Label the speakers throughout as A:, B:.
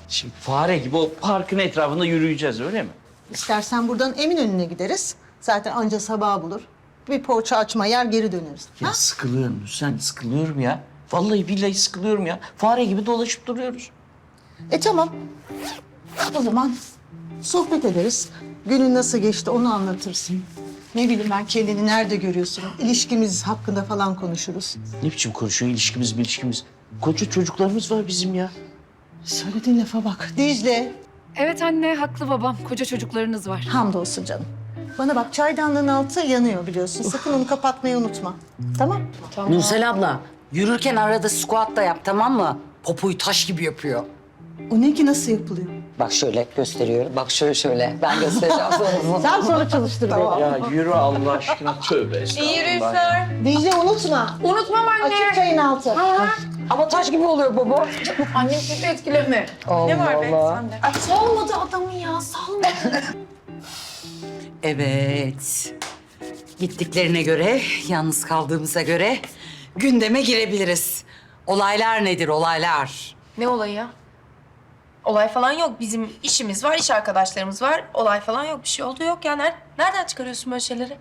A: Şimdi fare gibi o parkın etrafında yürüyeceğiz öyle mi?
B: İstersen buradan Eminönü'ne gideriz. Zaten anca sabah bulur. Bir poğaça açma yer geri döneriz.
A: Ya sıkılıyorum Hüseyin, sıkılıyorum ya. Vallahi billahi sıkılıyorum ya. Fare gibi dolaşıp duruyoruz.
B: Tamam. O zaman sohbet ederiz. Günün nasıl geçti onu anlatırsın. Ne bileyim ben kendini nerede görüyorsun? İlişkimiz hakkında falan konuşuruz.
A: Ne biçim konuşuyor ilişkimiz? Koca çocuklarımız var bizim ya.
B: Söylediğin lafa bak. Dicle.
C: Evet anne, haklı babam. Koca çocuklarınız var.
B: Hamdolsun canım. Bana bak çaydanlığın altı yanıyor biliyorsun. Sakın onu kapatmayı unutma. Tamam?
D: Nursel abla, yürürken arada squat da yap, tamam mı? Popoyu taş gibi yapıyor.
B: O ne ki nasıl yapılıyor?
D: Bak şöyle gösteriyorum. Bak şöyle. Ben göstereceğim sana.
B: Sen sonra çalıştır beni.
A: Ya yürü Allah aşkına tövbe estağfurullah.
B: Dicle unutma.
C: Unutmam anne.
B: Açık çayın altı.
D: Ama taş gibi oluyor baba.
C: Annem kötü etkileme.
D: Ne var be
C: Sende. Ay salmadı adamı ya, salmadı.
D: Evet. Gittiklerine göre, yalnız kaldığımıza göre gündeme girebiliriz. Olaylar nedir, olaylar?
E: Ne olayı ya? Olay falan yok. Bizim işimiz var, iş arkadaşlarımız var. Olay falan yok. Bir şey oldu yok ya. Nereden çıkarıyorsun böyle şeyleri?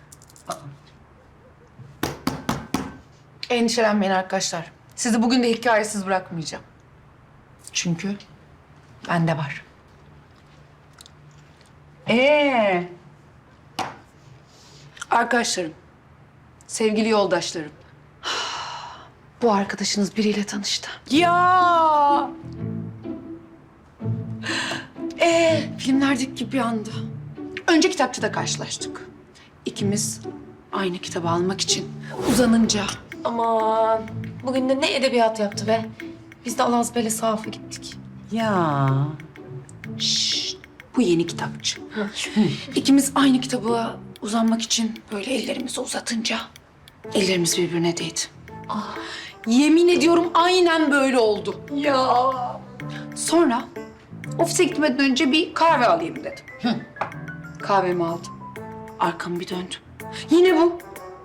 C: Endişelenmeyin arkadaşlar. Sizi bugün de hikayesiz bırakmayacağım. Çünkü bende var. Arkadaşlarım, sevgili yoldaşlarım. Bu arkadaşınız biriyle tanıştı.
D: Ya!
C: Filmlerdeki gibi bir anda. Önce kitapçıda karşılaştık. İkimiz aynı kitabı almak için uzanınca
E: Aman. Bugün de ne edebiyat yaptı be. Biz de Alazbele Sahaf'a gittik.
D: Ya!
C: bu yeni kitapçı. İkimiz aynı kitaba uzanmak için böyle ellerimizi uzatınca ellerimiz birbirine değdi. Yemin ediyorum aynen böyle oldu. Ya. Sonra ofise gitmeden önce bir kahve alayım dedim. Kahvemi aldım. Arkamı bir döndüm. Yine bu.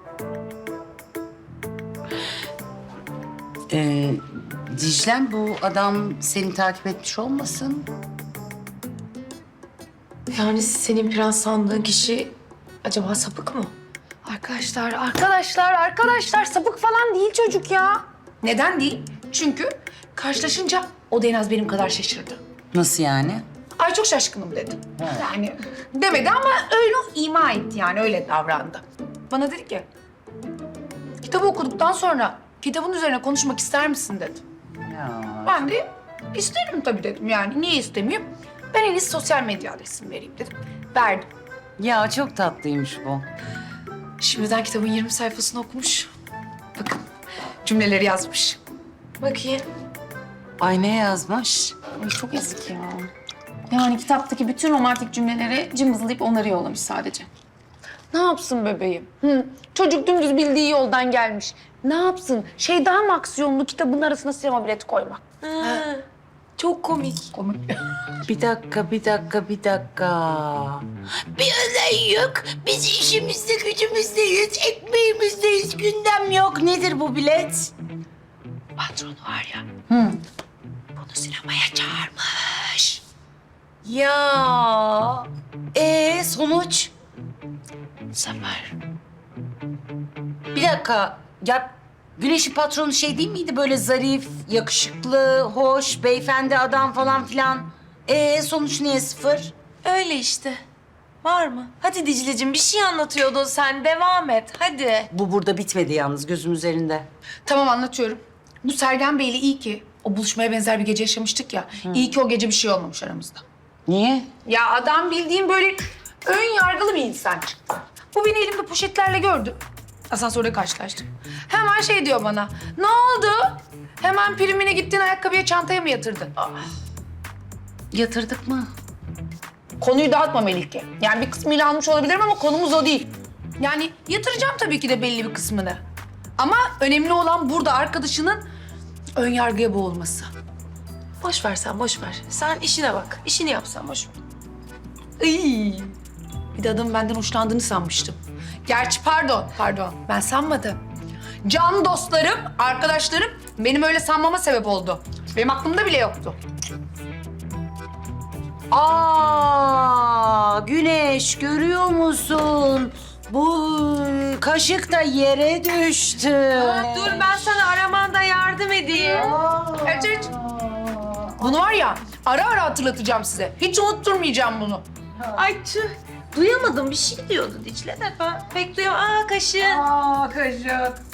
D: Dicle'm, bu adam seni takip etmiş olmasın?
E: Yani senin prens sandığın kişi acaba sapık mı?
C: Arkadaşlar sapık falan değil çocuk ya. Neden değil? Çünkü karşılaşınca o da en az benim kadar şaşırdı.
D: Nasıl yani?
C: Ay çok şaşkınım dedi. Yani demedi ama öyle ima etti, yani öyle davrandı. Bana dedi ki, kitabı okuduktan sonra kitabın üzerine konuşmak ister misin dedi.
D: Ya.
C: Ben de isterim tabii dedim, yani niye istemeyeyim? Ben en iyisi sosyal medya adresimi vereyim dedim. Verdim.
D: Ya çok tatlıymış bu.
C: Şimdiden kitabın 20 sayfasını okumuş. Bakın cümleleri yazmış.
E: Bakayım.
D: Ay ne yazmış?
E: Ay çok eski ya. Yani kitaptaki bütün romantik cümleleri cımbızlayıp onları yollamış sadece.
C: Ne yapsın bebeğim? Çocuk dümdüz bildiği yoldan gelmiş. Ne yapsın? Daha mı aksiyonlu kitabın arasına sinema bileti koymak?
E: Çok komik.
D: Bir dakika. Bir olay yok. Biz işimizde, gücümüzdeyiz, ekmeğimizdeyiz. Gündem yok. Nedir bu bilet? Patronu var ya. Bunu sinemaya çağırmış. Ya. Sonuç? Zafer. Bir dakika. Ya Güneş'in patronu değil miydi? Böyle zarif, yakışıklı, hoş, beyefendi adam falan filan. Sonuç niye 0?
E: Öyle işte. Var mı? Hadi Dicle'cim bir şey anlatıyordu sen. Devam et hadi.
D: Bu burada bitmedi yalnız, gözüm üzerinde.
C: Tamam, anlatıyorum. Bu Sergen Bey'le iyi ki o buluşmaya benzer bir gece yaşamıştık ya. İyi ki o gece bir şey olmamış aramızda.
D: Niye?
C: Ya adam bildiğin böyle ön yargılı bir insan çıktı. Bu beni elimde poşetlerle gördü. Asansörde karşılaştık. Hemen diyor bana. Ne oldu? Hemen primine gittiğin ayakkabıya, çantaya mı yatırdın?
D: Yatırdık mı?
C: Konuyu dağıtma Melike. Yani bir kısmıyla almış olabilirim ama konumuz o değil. Yani yatıracağım tabii ki de belli bir kısmını. Ama önemli olan burada arkadaşının ön yargıya boğulması.
E: Boş ver sen boş ver. Sen işine bak. İşini yap sen boş ver.
C: Iy. Bir de adamın benden hoşlandığını sanmıştım. Gerçi pardon ben sanmadım. Can dostlarım, arkadaşlarım benim öyle sanmama sebep oldu. Benim aklımda bile yoktu.
D: Aa, Güneş görüyor musun? Bu kaşık da yere düştü.
E: Dur ben sana aramanda yardım edeyim.
C: Evet. Bunu var ya ara ara hatırlatacağım size. Hiç unutturmayacağım bunu.
E: Ay tüh. Duyamadım bir şey diyordu Dicle de ben pek duyamadım. Aa kaşığın.
C: Aa kaşık.